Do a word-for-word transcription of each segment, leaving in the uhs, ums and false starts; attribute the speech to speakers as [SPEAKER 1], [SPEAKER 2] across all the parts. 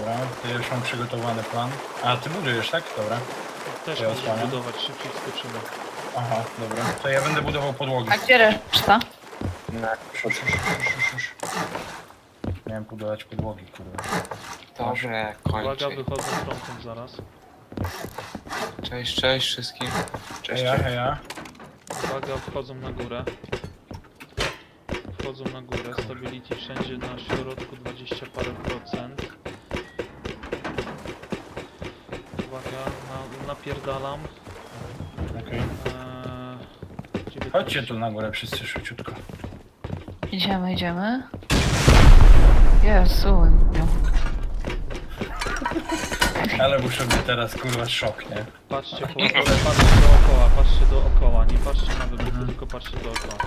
[SPEAKER 1] Dobra, to ja już mam przygotowany plan. A, ty budujesz, tak? Dobra.
[SPEAKER 2] Też
[SPEAKER 1] Ja
[SPEAKER 2] możesz
[SPEAKER 1] osłaniam.
[SPEAKER 2] budować, szybciej skoczymy.
[SPEAKER 1] Aha, dobra. To ja będę budował podłogi.
[SPEAKER 3] A gdzie reszta?
[SPEAKER 1] Szusz, szusz, szusz, szusz. Miałem budować podłogi, kurwa.
[SPEAKER 4] Dobrze,
[SPEAKER 2] Uwaga,
[SPEAKER 4] kończę.
[SPEAKER 2] wychodzą frontem zaraz.
[SPEAKER 4] Cześć, cześć wszystkim. Cześć,
[SPEAKER 1] Heja,
[SPEAKER 4] cześć.
[SPEAKER 1] heja.
[SPEAKER 2] Uwaga, wchodzą na górę. Wchodzą na górę, stability wszędzie na środku dwadzieścia parę procent. Uwaga, na, napierdalam.
[SPEAKER 1] Okej.
[SPEAKER 2] Eee, dziewiętnaście.
[SPEAKER 1] Chodźcie tu na górę wszyscy szybciutko.
[SPEAKER 3] Idziemy, idziemy. Jezu. No.
[SPEAKER 1] Ale muszę być teraz kurwa szok, nie?
[SPEAKER 2] Patrzcie, po, patrzcie dookoła, patrzcie dookoła, nie patrzcie na wybuchy, tylko patrzcie dookoła.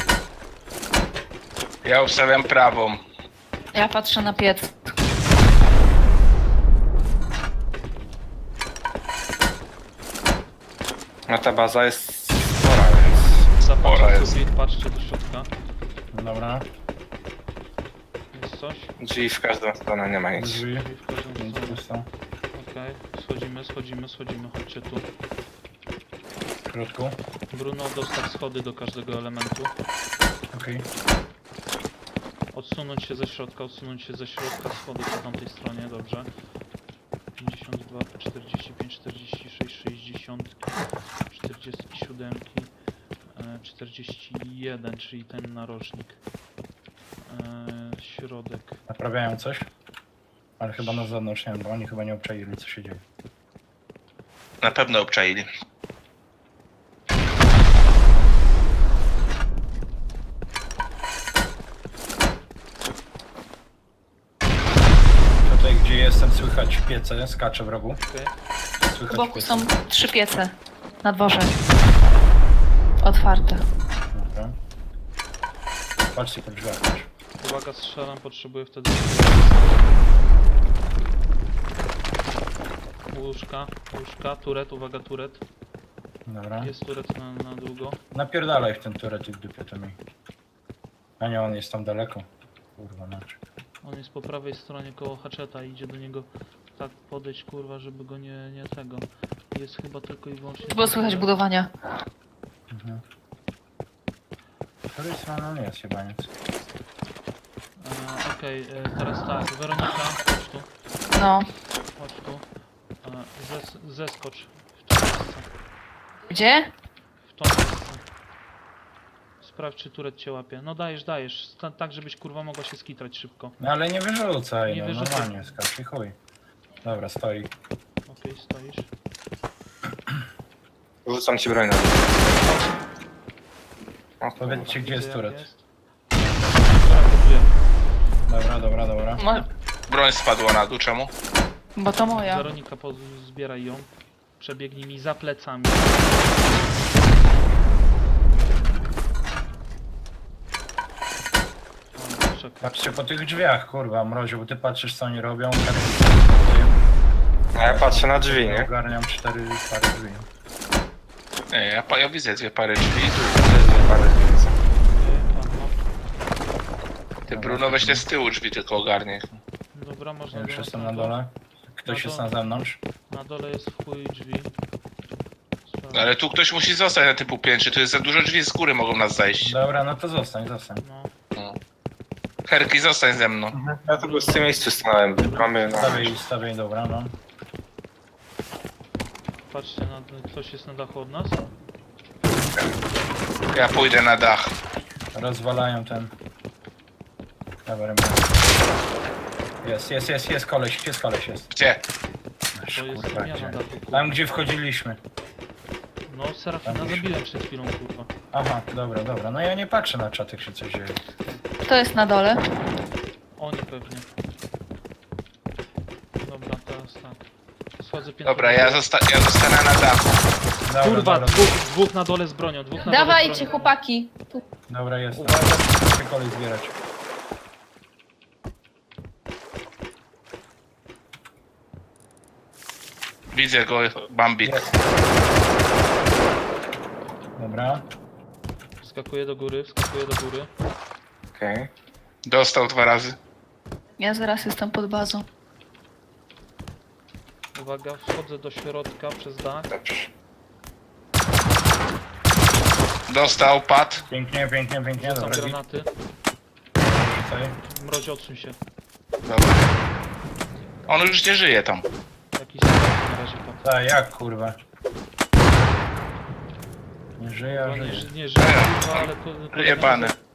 [SPEAKER 4] Ja ustawiam prawą.
[SPEAKER 3] Ja patrzę na piec.
[SPEAKER 4] No ta baza jest spora, więc...
[SPEAKER 2] Zapatrzcie
[SPEAKER 4] Pora jest.
[SPEAKER 2] sufit, patrzcie do środka.
[SPEAKER 1] Dobra,
[SPEAKER 2] Jest coś?
[SPEAKER 4] Drzwi w każdą stronę, nie ma nic.
[SPEAKER 1] drzwi.
[SPEAKER 2] Drzwi w każdą
[SPEAKER 1] Nic
[SPEAKER 2] stronę.
[SPEAKER 1] tu są.
[SPEAKER 2] Okej, schodzimy, schodzimy, schodzimy, chodźcie tu.
[SPEAKER 1] W środku.
[SPEAKER 2] Bruno, dostaw schody do każdego elementu.
[SPEAKER 1] Okej.
[SPEAKER 2] Odsunąć się ze środka, odsunąć się ze środka, schody po tamtej stronie, dobrze. pięćdziesiąt dwa, czterdzieści pięć, czterdzieści sześć, sześćdziesiąt, czterdzieści siedem, e, czterdzieści jeden, czyli ten narożnik. E, środek.
[SPEAKER 1] Naprawiają coś? Ale chyba na zewnątrz nie wiem, bo oni chyba nie obczaili co się dzieje.
[SPEAKER 4] Na pewno obczaili.
[SPEAKER 1] Tutaj gdzie jestem słychać piece, skacze w rogu.
[SPEAKER 2] Okej.
[SPEAKER 3] W
[SPEAKER 1] Słychać
[SPEAKER 3] boku
[SPEAKER 1] piece.
[SPEAKER 3] są trzy piece. Na dworze. Otwarte.
[SPEAKER 1] Dobra. Patrzcie po drzwiach też.
[SPEAKER 2] Uwaga, strzelam, potrzebuję wtedy... Łóżka, łóżka, turet, uwaga, turet.
[SPEAKER 1] Dobra.
[SPEAKER 2] Jest turet na, na długo.
[SPEAKER 1] Napierdalaj w ten turret i w dupie to mi. A nie, on jest tam daleko. Kurwa, znaczy.
[SPEAKER 2] On jest po prawej stronie koło haczeta i idzie do niego tak podejść, kurwa, żeby go nie, nie tego. Jest chyba tylko i wyłącznie...
[SPEAKER 3] Było słychać budowania.
[SPEAKER 1] Mhm. Której strony on jest chyba nic.
[SPEAKER 2] E, Okej, e, teraz tak, Weronika, chodź tu,
[SPEAKER 3] No.
[SPEAKER 2] chodź tu. E, zes, zeskocz w to miejsce.
[SPEAKER 3] Gdzie?
[SPEAKER 2] W to miejsce. Sprawdź, czy turet cię łapie. No dajesz, dajesz. Ta, tak, żebyś kurwa mogła się skitrać szybko.
[SPEAKER 1] No ale nie wyrzucaj,
[SPEAKER 2] Nie
[SPEAKER 1] no
[SPEAKER 2] wyrzucaj.
[SPEAKER 1] normalnie skacz i chuj. Dobra, stoi.
[SPEAKER 2] Okej, stoisz.
[SPEAKER 4] Rzucam ci broń na O,
[SPEAKER 1] Powiedzcie gdzie jest
[SPEAKER 2] Widzę, jak
[SPEAKER 1] turret.
[SPEAKER 2] jest. Dobra, gotuję.
[SPEAKER 1] Dobra, dobra, dobra.
[SPEAKER 3] Mo-
[SPEAKER 4] Broń spadła na dół, czemu?
[SPEAKER 3] bo to moja.
[SPEAKER 2] Weronika, poz- zbieraj ją. Przebiegnij mi za plecami. O, czekaj.
[SPEAKER 1] Patrzcie po tych drzwiach, kurwa, mroziu, bo ty patrzysz co oni robią.
[SPEAKER 4] A ja patrzę na drzwi,
[SPEAKER 1] Ja
[SPEAKER 4] nie?
[SPEAKER 1] ogarniam cztery pary drzwi.
[SPEAKER 4] Nie, ja, pa- ja widzę dwie pary drzwi, tu też dwie pary drzwi. Ty Bruno weź te z tyłu drzwi tylko ogarnie.
[SPEAKER 2] Dobra, można
[SPEAKER 1] Ja już
[SPEAKER 2] do nas
[SPEAKER 1] jestem na
[SPEAKER 2] dół.
[SPEAKER 1] dole. Ktoś
[SPEAKER 2] Na
[SPEAKER 1] jest
[SPEAKER 2] dół.
[SPEAKER 1] na zewnątrz.
[SPEAKER 2] Na dole jest w chuj drzwi. Sprawdź.
[SPEAKER 4] Ale tu ktoś musi zostać na typu piętrze, tu jest za dużo drzwi z góry mogą nas zajść.
[SPEAKER 1] Dobra, no to zostań, zostań.
[SPEAKER 2] No,
[SPEAKER 4] No. Herki, zostań ze mną.
[SPEAKER 5] Ja tu w tym miejscu stanąłem. Mamy na...
[SPEAKER 1] Stawiaj, stawiaj, dobra, no.
[SPEAKER 2] patrzcie, na, ktoś jest na dachu od nas?
[SPEAKER 4] Ja pójdę na dach.
[SPEAKER 1] Rozwalają ten... Dobra, rękę. Jest, jest, jest, jest koleś, jest koleś, jest.
[SPEAKER 4] Gdzie?
[SPEAKER 1] Aż,
[SPEAKER 2] To jest
[SPEAKER 1] kurwa,
[SPEAKER 2] zmiana
[SPEAKER 1] gdzie?
[SPEAKER 2] dachu, kurwa.
[SPEAKER 1] Tam gdzie wchodziliśmy.
[SPEAKER 2] No, Serafina
[SPEAKER 1] Tam gdzieś.
[SPEAKER 2] zabiłem przed chwilą, kurwa.
[SPEAKER 1] Aha, dobra, dobra. No ja nie patrzę na czat, jak się coś dzieje.
[SPEAKER 3] Kto jest na dole?
[SPEAKER 2] Oni pewnie. Dobra, teraz tak. Schodzę piętro.
[SPEAKER 4] Dobra, ja, zosta ja zostanę na dachu.
[SPEAKER 1] Dobra,
[SPEAKER 2] Kurwa,
[SPEAKER 1] dobra,
[SPEAKER 2] dwóch, dwóch na dole z bronią, dwóch na dole z
[SPEAKER 3] Dawajcie,
[SPEAKER 2] bronią.
[SPEAKER 3] chłopaki. Tu.
[SPEAKER 1] dobra, jest.
[SPEAKER 2] Uwaga.
[SPEAKER 1] Muszę kolej zbierać.
[SPEAKER 4] Widzę go, Bambik.
[SPEAKER 1] Jest. Dobra.
[SPEAKER 2] Wskakuję do góry, wskakuję do góry.
[SPEAKER 5] Okej.
[SPEAKER 4] Dostał dwa razy.
[SPEAKER 3] Ja zaraz jestem pod bazą.
[SPEAKER 2] Uwaga, wchodzę do środka przez dach.
[SPEAKER 5] Dobrze.
[SPEAKER 4] Dostał, padł.
[SPEAKER 1] Pięknie, pięknie, pięknie.
[SPEAKER 2] Rzucam
[SPEAKER 1] Dobra,
[SPEAKER 2] granaty.
[SPEAKER 1] rzucaj.
[SPEAKER 2] Mrozie, odsuń się.
[SPEAKER 4] Dobra. On już nie żyje tam.
[SPEAKER 2] Jakiś strach na razie padł.
[SPEAKER 1] Tak, jak kurwa? Nie żyje, a
[SPEAKER 2] No, nie,
[SPEAKER 1] żyje.
[SPEAKER 2] ży- nie żyje, kurwa, ale... ko- kolega
[SPEAKER 4] Jebany.
[SPEAKER 2] nas-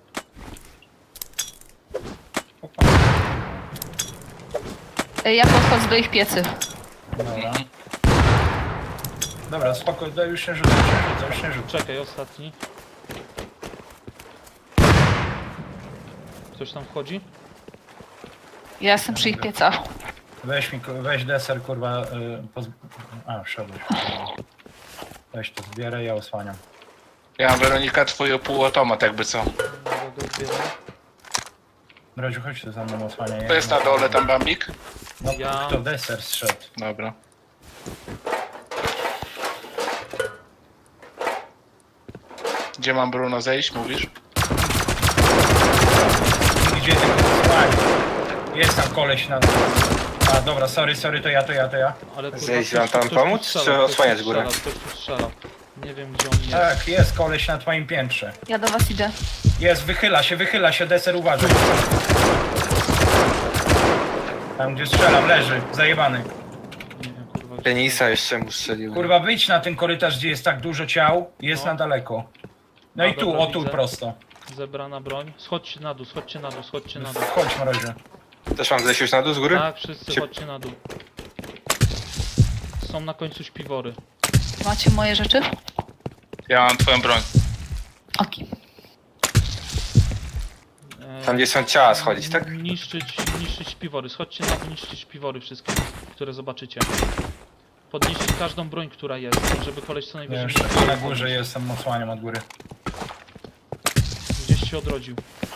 [SPEAKER 3] Ej, ja podchodzę do ich piecy.
[SPEAKER 1] Dobra. Dobra, spokój, daj, już nie rzucaj, już nie rzucaj, już nie rzucaj.
[SPEAKER 2] Czekaj, ostatni. Ktoś tam wchodzi?
[SPEAKER 3] Ja jestem przy ich piecach.
[SPEAKER 1] Weź mi, ku- weź deser, kurwa, y, poz... A, wszedłeś. Weź to, zbieraj, ja osłaniam.
[SPEAKER 4] Ja mam, Weronika, twój półautomat jakby co.
[SPEAKER 2] Dobra, go zbieram.
[SPEAKER 1] Mroziu, chodź tu za mną, osłaniaj.
[SPEAKER 4] To jest na dole tam Bambik?
[SPEAKER 1] No,
[SPEAKER 2] Ja-
[SPEAKER 1] kto deser zszedł?
[SPEAKER 4] Dobra. Gdzie mam Bruno zejść, mówisz?
[SPEAKER 1] Gdzie ty, słuchaj? Jest tam koleś na... A, dobra, sorry, sorry, to ja, to ja, to ja.
[SPEAKER 2] Ale kurwa,
[SPEAKER 5] Zejść
[SPEAKER 2] ktoś
[SPEAKER 5] wam
[SPEAKER 2] tu-
[SPEAKER 5] tam
[SPEAKER 2] ktoś tu
[SPEAKER 5] pomóc,
[SPEAKER 2] strzela,
[SPEAKER 5] czy
[SPEAKER 2] ktoś tu
[SPEAKER 5] osłaniać górę?
[SPEAKER 2] strzela, Ktoś tu strzela. Nie wiem gdzie on jest.
[SPEAKER 1] Tak, jest koleś na twoim piętrze.
[SPEAKER 3] Ja do was idę.
[SPEAKER 1] Jest, wychyla się, wychyla się, deser, uważaj. Tam, gdzie strzelam, leży, zajebany.
[SPEAKER 2] Nie wiem kurwa gdzie.
[SPEAKER 5] Penisa jeszcze mu strzelił.
[SPEAKER 1] Kurwa, wyjdź na ten korytarz, gdzie jest tak dużo ciał, jest
[SPEAKER 2] No.
[SPEAKER 1] na daleko. No
[SPEAKER 2] A,
[SPEAKER 1] i tu,
[SPEAKER 2] dobra,
[SPEAKER 1] o tu
[SPEAKER 2] widzę.
[SPEAKER 1] prosto.
[SPEAKER 2] Zebrana broń. Schodźcie na dół, schodźcie na dół, schodźcie na dół.
[SPEAKER 1] Chodź, mrozie.
[SPEAKER 5] Też mam zejść już na dół z góry?
[SPEAKER 2] Tak, wszyscy
[SPEAKER 5] Czy-
[SPEAKER 2] chodźcie na dół. Są na końcu śpiwory.
[SPEAKER 3] Macie moje rzeczy?
[SPEAKER 4] Ja mam twoją broń.
[SPEAKER 3] Okej.
[SPEAKER 2] E,
[SPEAKER 5] Tam gdzie są ciała schodzić, tak?
[SPEAKER 2] Niszczyć, niszczyć śpiwory. Schodźcie na dół, niszczyć śpiwory wszystkie, które zobaczycie. Podnieście każdą broń, która jest, żeby koleś co
[SPEAKER 1] Ja
[SPEAKER 2] najwyżej...
[SPEAKER 1] już
[SPEAKER 2] mógł
[SPEAKER 1] na górze jestem, osłaniam od góry.
[SPEAKER 2] Gdzieś się odrodził.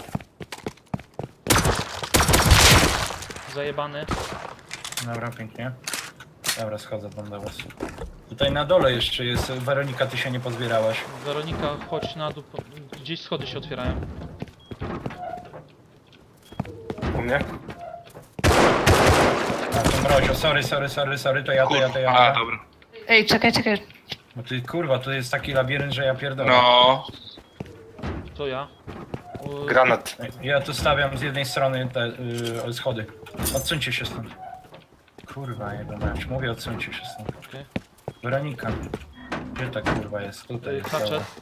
[SPEAKER 2] Zajebany.
[SPEAKER 1] Dobra, pięknie. Dobra, schodzę tam do was. Tutaj na dole jeszcze jest, Weronika, ty się nie pozbierałaś.
[SPEAKER 2] Weronika, chodź na dół. po- Gdzieś schody się otwierają.
[SPEAKER 5] U mnie?
[SPEAKER 1] A to mrozio, sorry, sorry, sorry, sorry, to ja, to ja, to ja.
[SPEAKER 4] A, dobra.
[SPEAKER 3] Ej, czekaj, czekaj.
[SPEAKER 1] Bo ty, kurwa, tu jest taki labirynt, że ja pierdolę.
[SPEAKER 4] No,
[SPEAKER 2] To ja. U-
[SPEAKER 5] Granat.
[SPEAKER 1] Ja tu stawiam z jednej strony te yy, schody. Odsuńcie się stąd. Kurwa, jego mać. Mówię, odsuńcie się stąd.
[SPEAKER 2] Okej.
[SPEAKER 1] Weronika. Gdzie ta kurwa jest? Tutaj
[SPEAKER 2] Y,
[SPEAKER 1] jest.
[SPEAKER 2] Hatchet.
[SPEAKER 1] Dobra.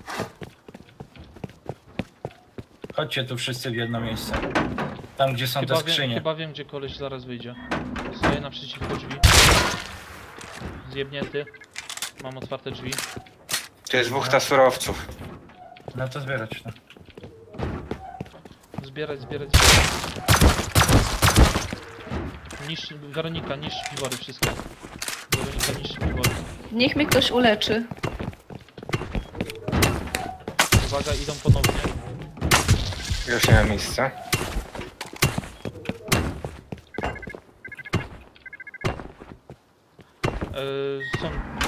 [SPEAKER 1] Chodźcie tu wszyscy w jedno miejsce. Tam, gdzie są te
[SPEAKER 2] Chyba wiem,
[SPEAKER 1] skrzynie.
[SPEAKER 2] chyba wiem, gdzie koleś zaraz wyjdzie. Stoję naprzeciwko drzwi. Zjebnięty. Mam otwarte drzwi.
[SPEAKER 5] Tu jest dwóch ta surowców.
[SPEAKER 1] No to zbierać to.
[SPEAKER 2] Zbierać, zbierać, zbierać. Niszcz, Weronika, niszcz śpiwory wszystkie. Weronika, niszcz śpiwory.
[SPEAKER 3] Niech mnie ktoś uleczy.
[SPEAKER 2] Uwaga, idą ponownie.
[SPEAKER 5] Już nie ma miejsca.
[SPEAKER 2] Yy, są...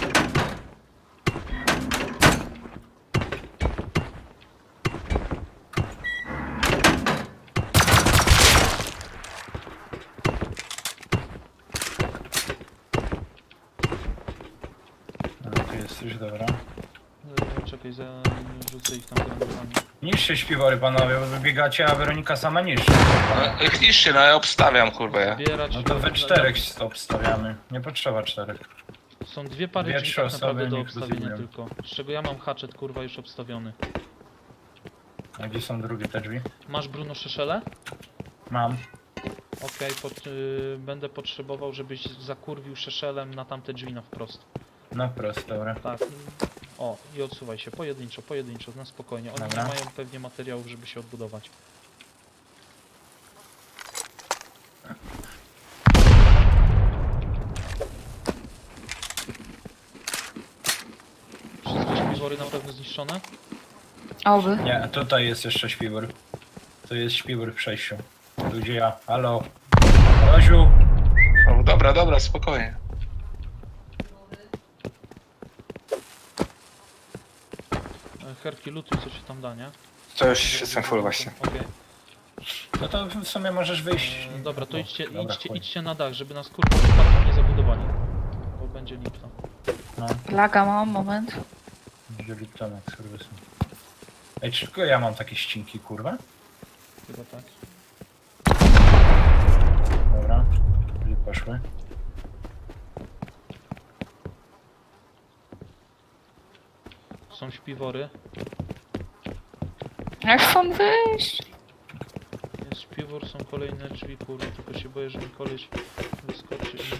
[SPEAKER 1] No, tu jesteś, dobra.
[SPEAKER 2] Yy, czekaj, za... rzucę ich tam granatami.
[SPEAKER 1] Niszcie śpiwory, panowie, bo wybiegacie, a Weronika sama niszczy.
[SPEAKER 4] no ich niszczy, no ja obstawiam, kurwa ja.
[SPEAKER 2] Zbierać...
[SPEAKER 1] No to we czterech stop stawiamy. Nie potrzeba czterech.
[SPEAKER 2] Są dwie pary
[SPEAKER 1] Dwie,
[SPEAKER 2] drzwi
[SPEAKER 1] trzy
[SPEAKER 2] tak naprawdę
[SPEAKER 1] osoby
[SPEAKER 2] do
[SPEAKER 1] niech
[SPEAKER 2] obstawienia
[SPEAKER 1] rozumieją.
[SPEAKER 2] tylko. Z czego ja mam hatchet, kurwa, już obstawiony.
[SPEAKER 1] A gdzie są drugie te drzwi?
[SPEAKER 2] Masz Bruno Szeszele?
[SPEAKER 1] Mam.
[SPEAKER 2] Okej, pot, y, będę potrzebował, żebyś zakurwił Szeszelem na tamte drzwi na wprost.
[SPEAKER 1] No prosto, dobra.
[SPEAKER 2] Tak. O, i odsuwaj się, pojedynczo, pojedynczo, na spokojnie. Oni
[SPEAKER 1] Dobra.
[SPEAKER 2] nie mają pewnie materiałów, żeby się odbudować. Wszystkie śpiwory na pewno zniszczone?
[SPEAKER 3] Oby.
[SPEAKER 1] Nie, tutaj jest jeszcze śpiwór. Tu jest śpiwór w przejściu. Tu gdzie ja. Halo. Roziu.
[SPEAKER 4] No, dobra, dobra, spokojnie.
[SPEAKER 2] E, Herki, lutuj, co się tam da, nie?
[SPEAKER 5] To już jestem full właśnie.
[SPEAKER 2] Okej.
[SPEAKER 1] No to w sumie możesz wyjść.
[SPEAKER 2] E, Dobra, to
[SPEAKER 1] O,
[SPEAKER 2] idźcie,
[SPEAKER 1] dobra,
[SPEAKER 2] idźcie,
[SPEAKER 1] chuj.
[SPEAKER 2] idźcie na dach, żeby nas kurwa przypadkiem nie zabudowali. będzie Lipton.
[SPEAKER 1] No,
[SPEAKER 3] Laga mam, moment.
[SPEAKER 1] będzie Liptonek, serwisem. Ej, czy tylko ja mam takie ścinki, kurwa?
[SPEAKER 2] Chyba tak.
[SPEAKER 1] Dobra, gdzie poszły?
[SPEAKER 2] Są śpiwory.
[SPEAKER 3] Jak stąd wyjść?
[SPEAKER 2] Jest śpiwór, są kolejne drzwi, kurwa, tylko się boję, że mi koleś wyskoczy i...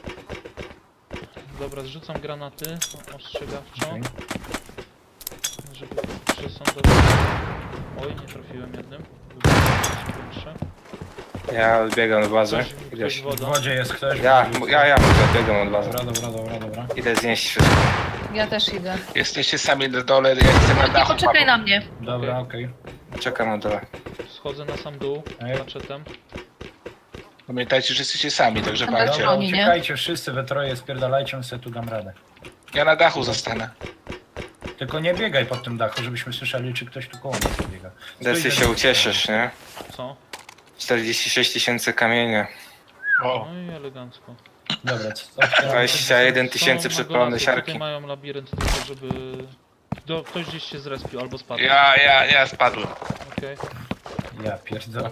[SPEAKER 2] Dobra, zrzucam granaty ostrzegawczo,
[SPEAKER 1] Okej.
[SPEAKER 2] żeby przesądować. Oj, nie trafiłem jednym. Większe.
[SPEAKER 5] Ja odbiegam od bazy.
[SPEAKER 2] Ktoś, ktoś
[SPEAKER 5] Gdzieś.
[SPEAKER 1] W
[SPEAKER 2] woda.
[SPEAKER 1] wodzie jest ktoś.
[SPEAKER 5] Ja,
[SPEAKER 1] w wodzie
[SPEAKER 5] ja,
[SPEAKER 1] jest
[SPEAKER 5] ja odbiegam od bazy.
[SPEAKER 1] ktoś. Dobra, dobra, dobra, dobra.
[SPEAKER 5] Idę znieść wszystko.
[SPEAKER 3] Ja też idę.
[SPEAKER 4] Jesteście sami na dole, ja jestem na
[SPEAKER 3] Nie
[SPEAKER 4] dachu.
[SPEAKER 3] poczekaj na mnie.
[SPEAKER 1] Dobra, okej.
[SPEAKER 5] Czekam na dole.
[SPEAKER 2] Schodzę na sam dół,
[SPEAKER 1] Ej.
[SPEAKER 2] maczetem.
[SPEAKER 4] Pamiętajcie, że jesteście sami, także
[SPEAKER 3] Dobra.
[SPEAKER 4] walcie.
[SPEAKER 1] Dobra,
[SPEAKER 3] Oni, nie?
[SPEAKER 1] uciekajcie wszyscy we troje, spierdalajcie, my sobie tu dam radę.
[SPEAKER 4] Ja na dachu zostanę.
[SPEAKER 1] Tylko nie biegaj pod tym dachu, żebyśmy słyszeli, czy ktoś tu koło nas biega.
[SPEAKER 5] Desy
[SPEAKER 1] Stój,
[SPEAKER 5] się
[SPEAKER 1] żeby-
[SPEAKER 5] ucieszysz, nie?
[SPEAKER 2] Co?
[SPEAKER 5] czterdzieści sześć tysięcy kamienia.
[SPEAKER 4] O,
[SPEAKER 2] No i elegancko.
[SPEAKER 1] Dobra, co? otwieramy-
[SPEAKER 5] dwadzieścia jeden
[SPEAKER 2] Są
[SPEAKER 5] tysięcy przepalone
[SPEAKER 2] magolasy,
[SPEAKER 5] siarki.
[SPEAKER 2] Tutaj mają labirynt tylko, żeby... Do, ktoś gdzieś się zrespił albo spadł.
[SPEAKER 4] ja, ja, ja spadłem.
[SPEAKER 2] Okej.
[SPEAKER 1] Ja pierdolę.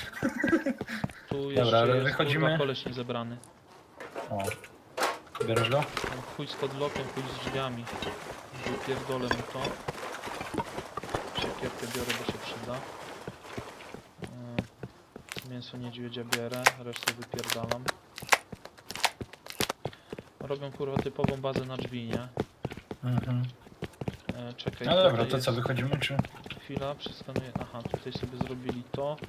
[SPEAKER 2] Tu
[SPEAKER 1] Dobra,
[SPEAKER 2] jeszcze
[SPEAKER 1] ale
[SPEAKER 2] jest
[SPEAKER 1] wychodzimy.
[SPEAKER 2] kurwa koleś niezebrany.
[SPEAKER 1] O. Bierzesz go?
[SPEAKER 2] Tam chuj z podlotem, chuj z drzwiami. Wypierdolę mu to. Siekierkę biorę, bo się przyda. Yy, Mięso niedźwiedzia bierę, resztę wypierdalam. Robią kurwa typową bazę na drzwi, nie?
[SPEAKER 1] Mhm.
[SPEAKER 2] E, czekaj,
[SPEAKER 1] No dobra,
[SPEAKER 2] tutaj
[SPEAKER 1] to
[SPEAKER 2] jest...
[SPEAKER 1] co, wychodzimy, czy?
[SPEAKER 2] Chwila, przeskanuję. Aha, tutaj sobie zrobili to.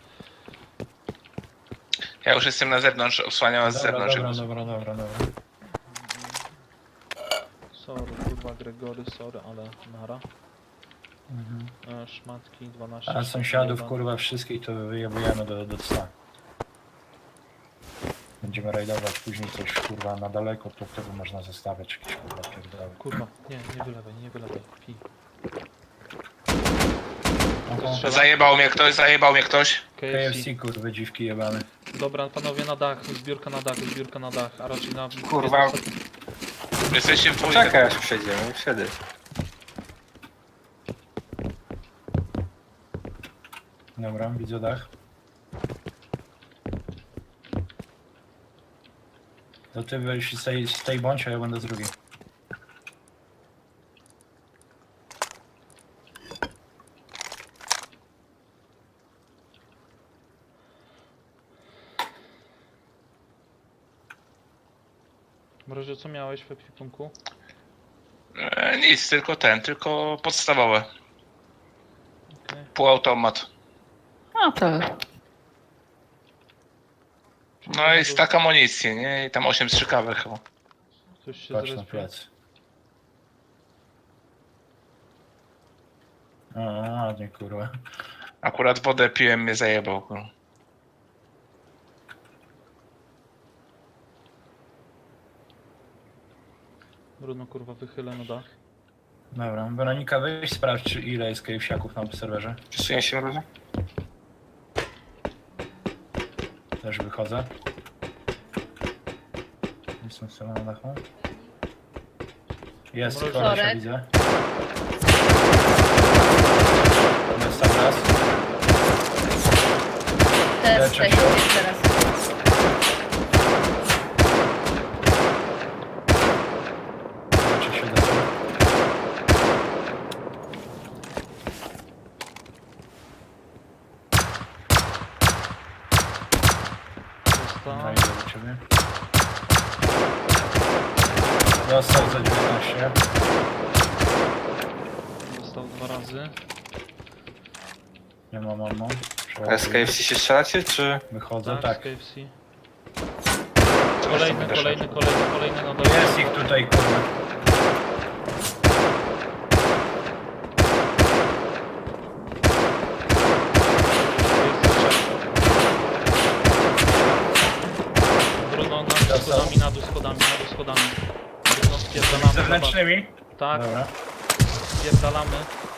[SPEAKER 4] Ja już jestem na zewnątrz, osłaniam was z
[SPEAKER 1] Dobra,
[SPEAKER 4] zewnątrz.
[SPEAKER 1] dobra,
[SPEAKER 4] żeby-
[SPEAKER 1] dobra, dobra, dobra.
[SPEAKER 2] Sorry, kurwa Gregory, sorry, ale nara.
[SPEAKER 1] Mhm.
[SPEAKER 2] E, szmatki dwanaście.
[SPEAKER 1] A sąsiadów,
[SPEAKER 2] jeden.
[SPEAKER 1] kurwa, wszystkich to wyjebujemy do, do cna. Będziemy rajdować później coś, kurwa, na daleko, to wtedy można zostawiać jakieś, kurwa, pierdoły.
[SPEAKER 2] Kurwa, nie, nie wylewaj, nie wylewaj. Pi.
[SPEAKER 1] Aha.
[SPEAKER 2] Strzela.
[SPEAKER 4] Zajebał mnie ktoś, zajebał mnie ktoś.
[SPEAKER 2] K F C.
[SPEAKER 1] K F C, kurwa, dziwki jebane.
[SPEAKER 2] Dobra, panowie na dach, zbiórka na dach, zbiórka na dach, a raczej na...
[SPEAKER 5] Kurwa.
[SPEAKER 4] Jesteście w dwójkę.
[SPEAKER 5] Czekaj aż przejdziemy i wtedy.
[SPEAKER 1] Dobra, widzę dach. To ty weź z tej, z tej bądź, a ja będę z drugiej.
[SPEAKER 2] Mrozie, co miałeś w ekwipunku?
[SPEAKER 4] E, nic, tylko ten, tylko podstawowe.
[SPEAKER 2] Okej.
[SPEAKER 4] Półautomat.
[SPEAKER 3] No to...
[SPEAKER 4] No i stak amunicji, nie? I tam osiem strzykawek chyba.
[SPEAKER 2] Ktoś się
[SPEAKER 1] Patrz na
[SPEAKER 2] zrespił.
[SPEAKER 1] plec. O, ładnie, kurwa.
[SPEAKER 4] Akurat wodę piłem, mnie zajebał. kurwa.
[SPEAKER 2] Bruno, kurwa, wychylę na dach.
[SPEAKER 1] Dobra, Weronika, weź sprawdź, czy ile jest kejwsiaków na serwerze.
[SPEAKER 5] Przesuję się może?
[SPEAKER 1] Też wychodzę. Jestem sobie na dachu. Jest,
[SPEAKER 2] Mrozie.
[SPEAKER 1] kolesia
[SPEAKER 3] Sorek.
[SPEAKER 1] widzę. Jest tam raz.
[SPEAKER 3] Też,
[SPEAKER 1] Leczę
[SPEAKER 3] też,
[SPEAKER 1] się.
[SPEAKER 3] teraz.
[SPEAKER 1] Czy się da?
[SPEAKER 2] Został.
[SPEAKER 1] No, idę do ciebie. Dostał za dziewiętnaście.
[SPEAKER 2] Został dwa razy.
[SPEAKER 1] Nie mam ammo.
[SPEAKER 5] A z K F C się strzelacie, czy...
[SPEAKER 1] Wychodzę,
[SPEAKER 2] Tak,
[SPEAKER 1] tak.
[SPEAKER 2] z K F C. Kolejny, kolejny, kolejny, kolejny na dole.
[SPEAKER 1] Jest ich tutaj, kurwa.
[SPEAKER 2] Bruno, na dół, schodami, na dół, schodami, na dół, schodami. Bruno, spierdalamy.
[SPEAKER 1] Zewnętrznymi?
[SPEAKER 2] Tak,
[SPEAKER 1] Dobra.
[SPEAKER 2] spierdalamy.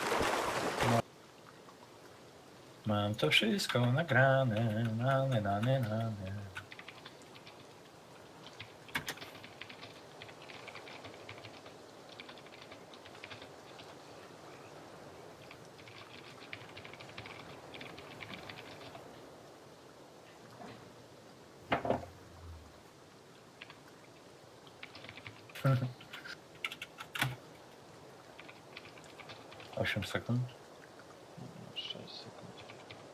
[SPEAKER 1] Mam to wszystko nagrane, nane, nane, nane. osiem sekund.
[SPEAKER 2] sześć sekund.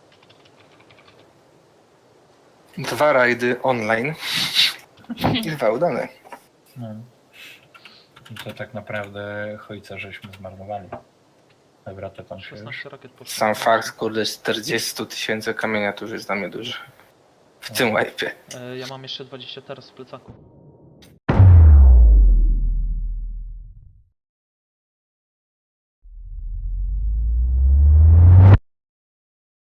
[SPEAKER 5] Dwa rajdy online. I dwa udane.
[SPEAKER 1] No. I to tak naprawdę chojca żeśmy zmarnowali. Dobra, to tam się już...
[SPEAKER 2] szesnaście rakiet poszło.
[SPEAKER 5] Sam fakt, kurde, czterdzieści tysięcy kamienia to już jest dla mnie duży. W tym łajpie.
[SPEAKER 2] E, ja mam jeszcze dwadzieścia teraz w plecaku.